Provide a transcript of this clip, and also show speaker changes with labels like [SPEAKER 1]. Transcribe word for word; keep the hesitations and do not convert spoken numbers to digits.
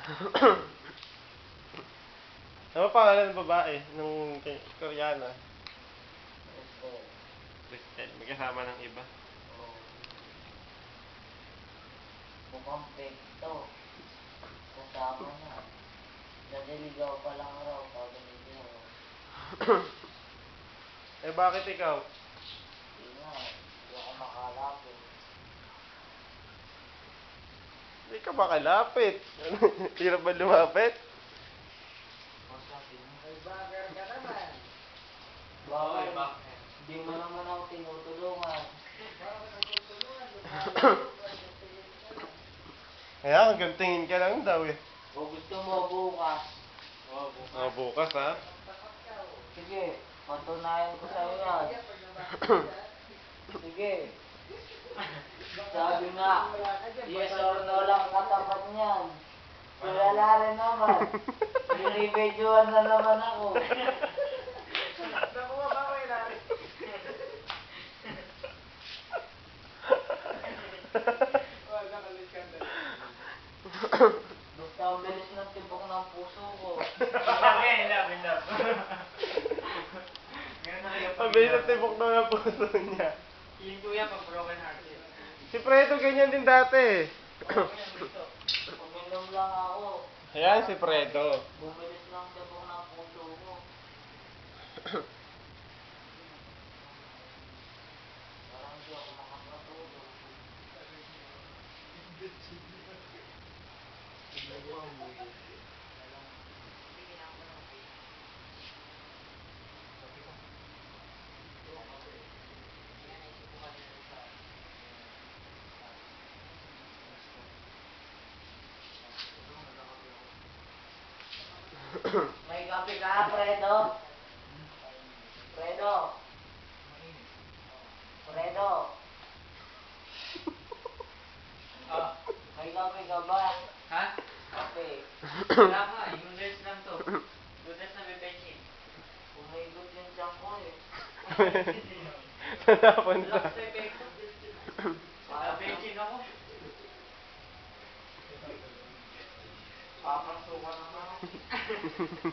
[SPEAKER 1] Ano pa pangalan ng babae? Nung kay- Koreana?
[SPEAKER 2] Crystal.
[SPEAKER 1] Kristen. May kasama ng iba.
[SPEAKER 2] Oo. Mukhang fake to. Kasama na. Naniligaw pa lang raw. Sabi ni Jero.
[SPEAKER 1] Eh bakit ikaw?
[SPEAKER 2] Hindi nga. Hindi ako makalapit.
[SPEAKER 1] Hindi ka makalapit. Hirap ba lumapit?
[SPEAKER 2] May bagger ka naman. Bakit? Hindi mo naman ako tinutulungan.
[SPEAKER 1] Kaya hanggang tingin ka lang daw eh.
[SPEAKER 2] O gusto mo bukas?
[SPEAKER 1] Oh, bukas ha?
[SPEAKER 2] Sige, patunayan ko sa'yo yan. Sige. Sabi nga, yes or no lang katapat niyan. Tulala rin naman. Binibidyoan na naman ako. Nakuha ba ko ilari? Basta ang bilis ng tibok ng puso ko.
[SPEAKER 1] Mabilis ang tibok daw ng puso niya.
[SPEAKER 3] Yung kuya pag broken hearted.
[SPEAKER 1] Si Fredo ganyan din dati.
[SPEAKER 2] Uminom lang ako.
[SPEAKER 1] Ayan si Fredo.
[SPEAKER 2] Bumilis lang tibok ng puso ko. Parang di ako makakatulog. May kape ka, Fredo? Fredo? Fredo?
[SPEAKER 3] Ah,
[SPEAKER 2] May kape ka ba?
[SPEAKER 3] ha?
[SPEAKER 2] Kape.
[SPEAKER 3] Wala ka, yung nurse lang to. Yung nurse na bibenshin.
[SPEAKER 2] Umigot yung tiyan ko eh.
[SPEAKER 1] Saan napunta?
[SPEAKER 3] Relax sa epekto. Bibenshin ako.
[SPEAKER 2] Papasukan naman ako.